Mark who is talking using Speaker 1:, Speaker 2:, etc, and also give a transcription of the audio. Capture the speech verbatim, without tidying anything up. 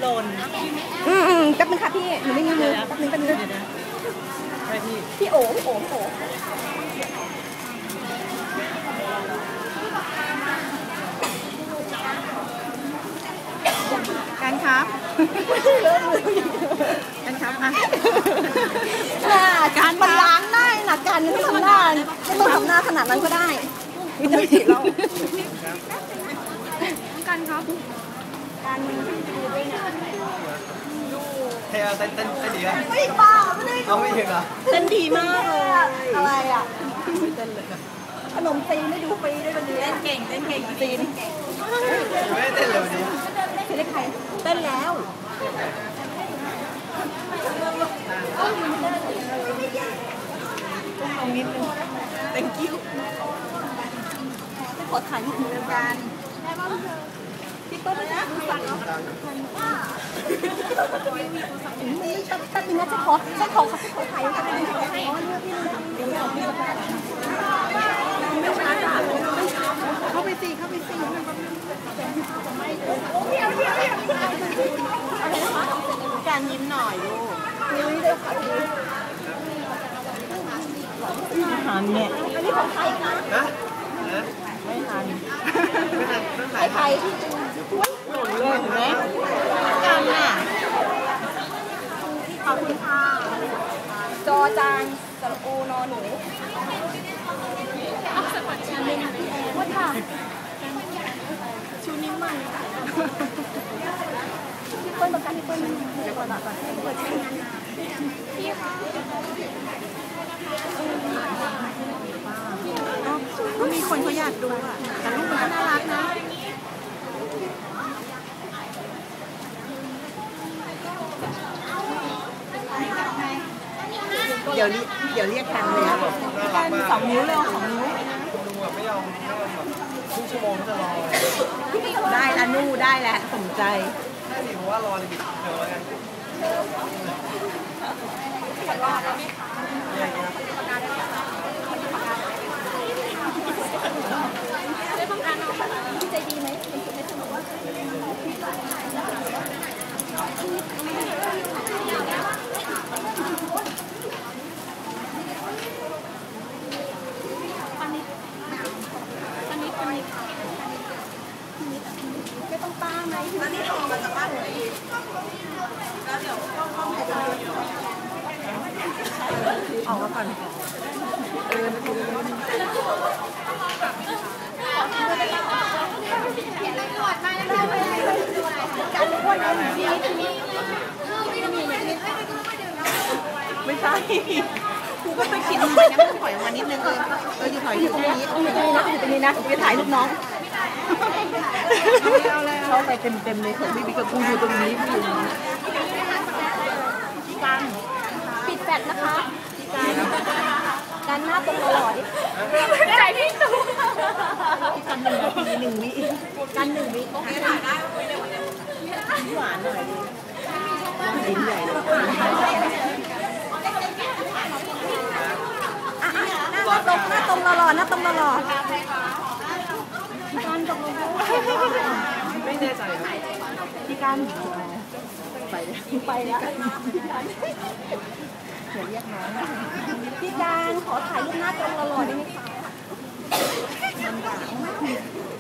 Speaker 1: น
Speaker 2: อืมอืมแป๊บนึงค่ะพี่หนูไม่มีมือแป๊บนึงแป๊บนึง
Speaker 1: ใช่พี่
Speaker 2: พี่โอ๋พี่โอ๋พี่โอ๋
Speaker 1: การครับการครับอ่ะ
Speaker 2: การมันล้างได้นะการไม่ทำหน้าไม่ต้องทำหน้าขนาดนั้นก็ได้วิตามินเราการครับการมีดูด้วยนะ
Speaker 3: เฮ้ยเต้นเต้นเต้นดีไหม
Speaker 2: ไม่บ้าไม่ได้
Speaker 3: เอาไม่ถึงเหรอ
Speaker 2: เต้นดีมากเลยอะไรอ่ะไม่เต้นเลยขนมจีนไม่ดูฟรีด้วยวันนี้เต้นเก่งเต้นเก่งจีน
Speaker 3: ไม่เต้นเลยวันนี้
Speaker 2: เต้นใครเต้นแล้วตรงนิดนึง thank you ขอถ่ายรูปเหมือนกันพี่เปิ้ลนะนี่ชอบตัดนึงนะจะขอจะขอขอขอถ่ายรูปกันอ๋อเนี่ยพี่เข้าไปสิเข้าไปสิการยิ้มหน่อยลูกนี่เดี๋ยวขอดู
Speaker 1: หันเนี่ย
Speaker 2: อันนี้ของใครนะ
Speaker 3: นะ
Speaker 1: ไม่ทัน
Speaker 3: ไม่ทันต้องถ่า
Speaker 2: ใคร
Speaker 3: ย
Speaker 2: ใครที่จูหล่นเลยเห็นไหมกันน่ะขอบคุณค่ะจอจานสระอูนอหนูว่าค่ะชูนิ้วมันพี่เปิ้ลประกันพี่เปิ้ลเดี๋ยวก่อนก่อนเปิดชื่อพี่ค่ะก็มีคนเขาอยากดูอ่ะแต่รูปมันน่ารักนะเดี๋ยวเดี๋ยวเรียกกันเลยครับกันสองนิ้วเลยสองนิ้ว
Speaker 3: คุณลุงแบบไม่ยอมไม่ยอมแบบครึ่งชั่วโมงจะรอ
Speaker 2: ได้ละนู่ได้แล้วสนใจ
Speaker 3: ใช่ดิเพราะว่ารอเลยบิดเดี๋ยวไง
Speaker 2: พี่ใจดีไหมเป็นคนไม่สนุกไม่ต้องป้าไหมอันนี้ทองมาจากบ้านไหนแล้วเดี๋ยวต้องต้องให้เรา
Speaker 1: ออกมาก่อนเออนาทีนึงไม่ใช่กูก็ไปคิดทำไมนะมันถอยออกมานิดนึงเออเอออยู่ถอยอยู่ตรงนี้
Speaker 2: อยู่ตรงนี้นะอยู่ตรงนี้นะไปถ่ายรูปน้อง
Speaker 1: เข้าไปเต็มเต็มเลยของพี่บิ๊กกับกูอยู่ตรงนี้พี่อยู่
Speaker 2: การปิดแฟลชนะคะการการหน้าตรงตลอดใจพี่ตูการหนึ่งนาทีหนึ่งวิการหนึ่งวิถ่ายได้
Speaker 1: หวานหน่อยดินใหญ่เลย
Speaker 2: หน้าตรงหน้าตรงหล่อหน้าตรงหล่อการตรง
Speaker 3: ไม่แน่ใจ
Speaker 2: พี่การไปไปแล้วเดี๋ยวเรียกน้องพี่การขอถ่ายรูปหน้าตรงหล่อ